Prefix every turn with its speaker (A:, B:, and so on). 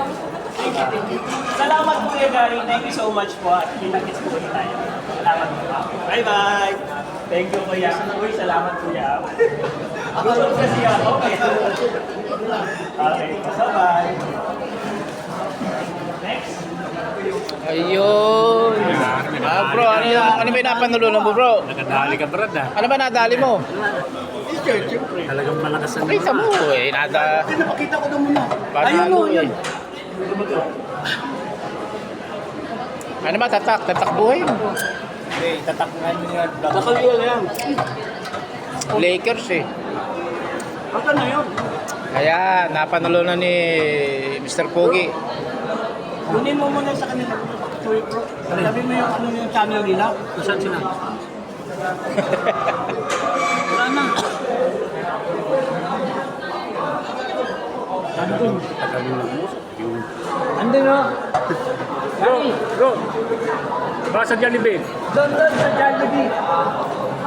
A: Thank you. Salamat po Kuya Gary. Thank you so much po. At kita-kits po ulit tayo. Salamat po. Bye-bye. Thank you Kuya. Uy, salamat Kuya. Ako kasi ako. Okay. Bye-bye. Next.
B: Ayun. Bro, ano ba yung napanulunan mo, bro?
C: Nakadali ka, Brad, ah.
B: Ano ba nadali mo?
C: Talagang malakas ang
B: Pakita mo eh.
D: Pinapakita ko na muna.
B: Panalo eh. Ano ba, tatakbuhin?
D: Hindi, tatakbuhan mo yan.
A: Nakalila na yan.
B: Lakers eh.
A: Baka na yun.
B: Kaya, napanulunan ni Mr. Pogi.
A: Kunin mo muna sa kanila. Sabi mo yung ano yung channel nila.
C: Saan sila?
A: Wala na. Andun. Andun o.
C: Bro, bro. Baka sa Jollibee.
A: Doon sa Jollibee.